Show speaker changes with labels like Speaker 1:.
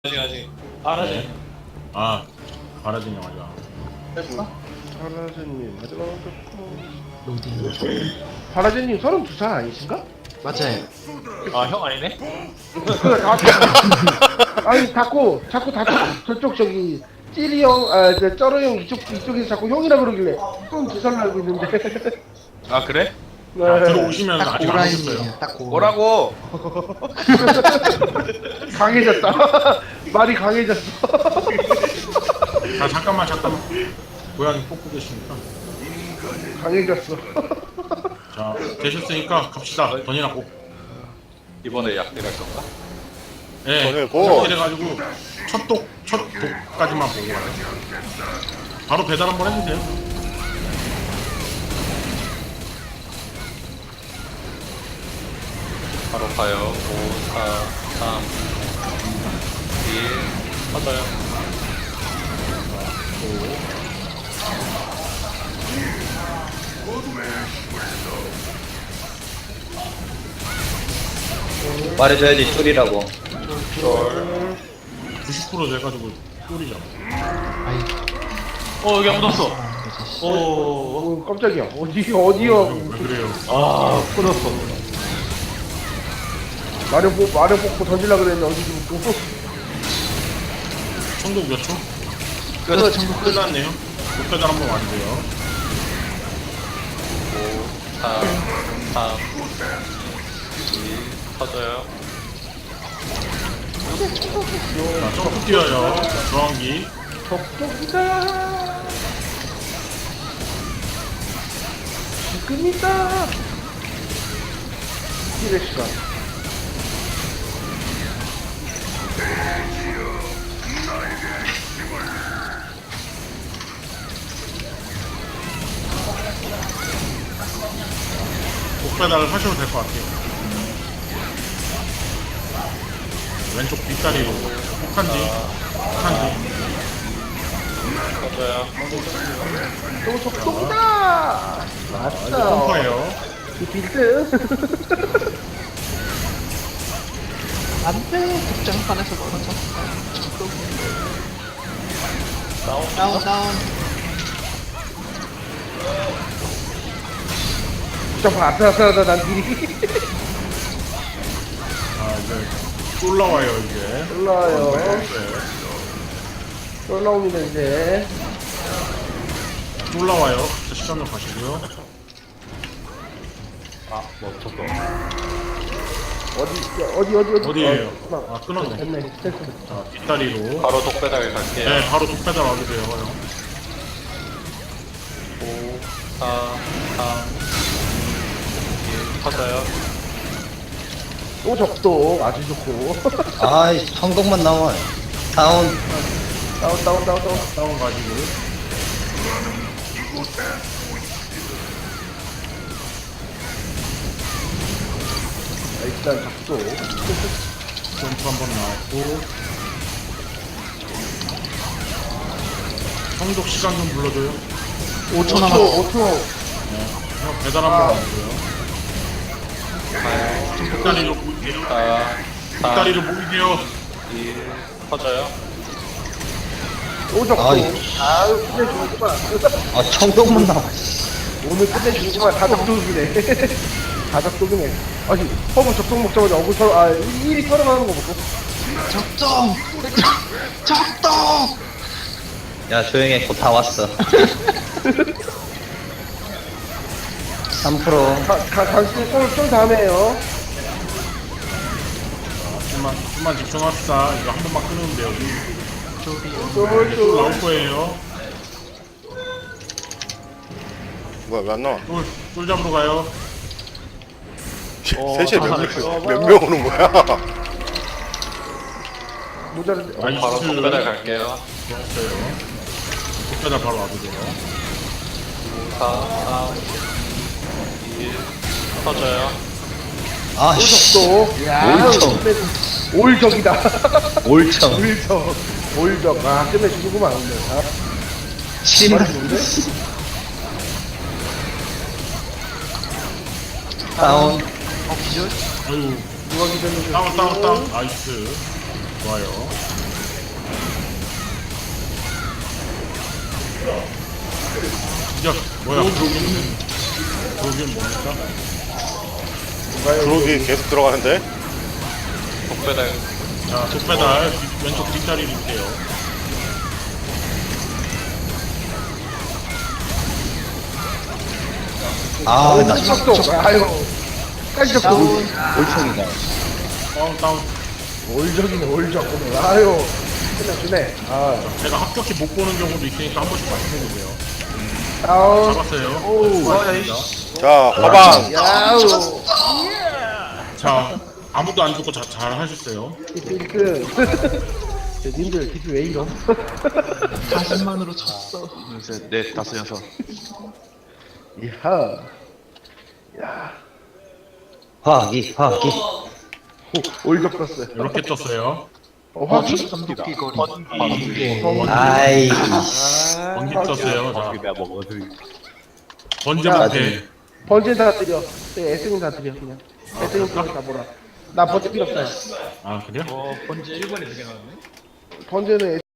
Speaker 1: 아직 알아지.
Speaker 2: 아, 바라진 영화가.
Speaker 1: 했어?
Speaker 3: 파라제님 마지막으로
Speaker 4: 로딩.
Speaker 3: 파라제님 32살 아니신가?
Speaker 4: 맞아요.
Speaker 1: 아 형 아니네?
Speaker 3: 아니 자꾸 저쪽 저기 찌리 형, 저 쩌러 형 이쪽에서 자꾸 형이라 그러길래 32살 알고 있는데.
Speaker 1: 아 그래?
Speaker 2: 자,
Speaker 3: 네.
Speaker 2: 들어오시면
Speaker 4: 딱
Speaker 2: 아직 안 오셨어요.
Speaker 4: 고라인이에요. 딱 고.
Speaker 1: 뭐라고?
Speaker 3: 강해졌다. 말이 강해졌어.
Speaker 2: 자, 잠깐만. 고양이 뽑고 계시니까.
Speaker 3: 강해졌어.
Speaker 2: 자, 되셨으니까 갑시다. 던이나 꼭.
Speaker 1: 이번에 약대갈 건가?
Speaker 2: 예.
Speaker 5: 던을 고.
Speaker 2: 이래가지고 첫 독까지만 보고 가요. 바로 배달 한번 해주세요.
Speaker 1: 바로 가요. 5, 4, 3, 2, 맞아요.
Speaker 6: 말해줘야지 쫄이라고.
Speaker 2: 90% 돼가지고 쫄이잖아.
Speaker 4: 아이.
Speaker 1: 여기 묻었어.
Speaker 4: 그렇지.
Speaker 1: 오.
Speaker 3: 깜짝이야. 어디요?
Speaker 2: 왜 그래요?
Speaker 1: 아 끊었어.
Speaker 3: 마련 뽑고 던질라 그랬는데 어디 묻고.
Speaker 2: 천국 몇 초?
Speaker 4: 끝. 전국 끝.
Speaker 2: 끝났네요. 독배달 한번 와주세요.
Speaker 1: 5, 4, 3, 2, 터져요.
Speaker 2: 자, 점프 뛰어요. 저항기.
Speaker 3: 적적이다. 지금이다. 힐의 시간.
Speaker 2: 독배달을 하셔도 될 것 같아요. 왼쪽 뒷다리로 혹한지.
Speaker 1: 터져요.
Speaker 3: 또 적적이다. 맞다.
Speaker 2: 펌퍼예요.
Speaker 3: 이 빌드.
Speaker 4: 안 돼. 극장판에서 멀어져. 다운.
Speaker 3: 잠깐 아슬아슬하다 난 딜이.
Speaker 2: 자, 이제 올라와요, 이제.
Speaker 3: 올라와요.
Speaker 2: 네.
Speaker 3: 올라옵니다 이제.
Speaker 2: 올라와요. 자, 시간 좀 가시고요.
Speaker 1: 아 멈췄어.
Speaker 3: 어디.
Speaker 2: 어디에요?
Speaker 3: 아,
Speaker 2: 아, 끊었네.
Speaker 3: 됐네. 됐어.
Speaker 2: 자, 뒷다리로.
Speaker 1: 바로 독배달 갈게요.
Speaker 2: 네, 바로 독배달 와주세요, 형.
Speaker 1: 5, 4, 3, 2, 터져요.
Speaker 3: 또 적도 아주 좋고.
Speaker 6: 아이 성공만 나와. 다운.
Speaker 3: 다운.
Speaker 2: 다운 가지고.
Speaker 3: 자, 일단 적도.
Speaker 2: 점프 한번 나왔고. 성독 시간 좀 불러줘요.
Speaker 4: 5초 남았어.
Speaker 3: 5초.
Speaker 2: 형, 배달 한번 와주세요. 뒷다리로 모이세요.
Speaker 1: 4, 3,
Speaker 2: 뒷다리로 모이세요.
Speaker 1: 2, 터져요.
Speaker 3: 또 적도.
Speaker 6: 아이.
Speaker 3: 아유 끝내주는구만.
Speaker 6: 아 성공만 나와.
Speaker 3: 오늘 끝내주는구만. 다 적독이네. 다 적독이네. 아니 허브 적독 먹자마자 어글 털. 일이 털어가는 거 보고.
Speaker 4: 적정. 적정.
Speaker 6: 야 조용해 곧 다 왔어. 3%.
Speaker 3: 당신 좀 다음에 해요.
Speaker 2: 좀만 집중합시다. 이거 한 번만 끊으면 돼요.
Speaker 3: 쫄.
Speaker 2: 나올 거예요.
Speaker 5: 뭐야 왜 안 나와?
Speaker 2: 쫄 잡으러 가요.
Speaker 5: 셋이 몇명 오는 거야?
Speaker 3: 모자른데.
Speaker 2: 나이스.
Speaker 1: 바로 독배달 갈게요.
Speaker 2: 좋았어요. 독배달 바로 와주세요.
Speaker 1: 4, 3, 2, 터져요.
Speaker 6: 아씨.
Speaker 3: 또. 야.
Speaker 6: 올청.
Speaker 3: 올적이다.
Speaker 6: 올청.
Speaker 3: 올적. 아 끝내주는구만 오늘. 아.
Speaker 6: 7만. 다운.
Speaker 4: 기절.
Speaker 2: 아유,
Speaker 3: 누가 기다리는
Speaker 2: 다운. 나이스. 좋아요. 야, 뭐야? 그러기엔 뭡니까?
Speaker 5: 그러기 계속 들어가는데?
Speaker 1: 독배달.
Speaker 2: 자, 족배달 왼쪽 뒷다리 릴게요.
Speaker 6: 아, 나
Speaker 3: 착독. 아유. 깜짝 놀.
Speaker 6: 올청이다.
Speaker 2: 다운.
Speaker 3: 올적이네 올적 오늘. 아유. 끝내주네. 아.
Speaker 2: 제가 합격히 못 보는 경우도 있으니까 한 번씩 말씀해주세요.
Speaker 3: 다운.
Speaker 2: 잡았어요.
Speaker 3: 오.
Speaker 5: 자, 화방!
Speaker 3: 야우.
Speaker 2: 자, 아무도 안 죽고 잘 하셨어요.
Speaker 3: 히트. 님들 히트 왜 이럼?
Speaker 4: 40만으로 졌어.
Speaker 1: 셋, 넷, 다섯, 여섯.
Speaker 3: 이하. 야.
Speaker 6: 화기.
Speaker 3: 올적 떴어요.
Speaker 2: 이렇게 떴어요.
Speaker 3: 화기?
Speaker 4: 삼도끼거리.
Speaker 6: 아이.
Speaker 2: 번기 떴어요. 자, 번제
Speaker 3: 야,
Speaker 2: 못해.
Speaker 3: 번째 다 드려. 애승은 다 드려 그냥. 애승은 그냥 다 몰아. 나 번째 필요 없다.
Speaker 2: 아, 그래요?
Speaker 3: 번째는